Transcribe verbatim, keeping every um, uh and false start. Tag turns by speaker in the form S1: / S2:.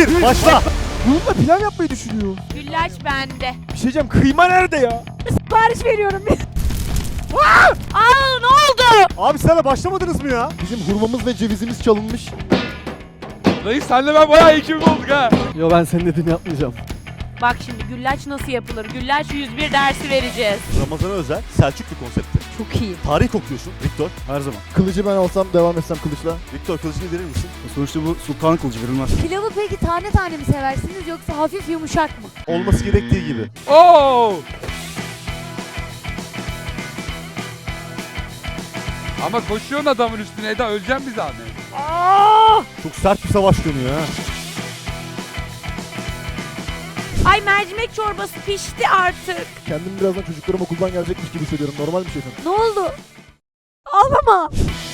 S1: bir, başla.
S2: Bununla pilav yapmayı düşünüyor.
S3: Güllaç bende.
S2: Bir şey diyeceğim, kıyma nerede ya?
S3: Sipariş veriyorum. Aa, ne oldu?
S1: Abi sana başlamadınız mı ya?
S2: Bizim hurmamız ve cevizimiz çalınmış.
S4: Dayı senle ben bayağı ekibim olduk ha.
S2: Yo, ben senin dediğini yapmayacağım.
S3: Bak şimdi güllaç nasıl yapılır? Güllaç yüz bir dersi vereceğiz.
S1: Ramazan'a özel Selçuklu konsepti.
S3: Çok iyi.
S1: Tarih kokuyorsun Viktor.
S5: Her zaman.
S2: Kılıcı ben alsam devam etsem kılıçla.
S1: Viktor kılıcını verir misin?
S5: Sonuçta bu sultan kılıcı verilmez.
S3: Pilavı peki tane tane mi seversiniz yoksa hafif yumuşak mı?
S1: Olması gerektiği gibi.
S4: Oo! Ama koşuyorsun adamın üstüne Eda, öleceğim bir zahmet.
S1: Çok sert bir savaş dönüyor ha.
S3: Ay mercimek çorbası pişti artık.
S2: Kendimi birazdan çocuklarım okuldan gelecekmiş gibi hissediyorum. Normal bir şey efendim.
S3: Ne oldu? Ağlama.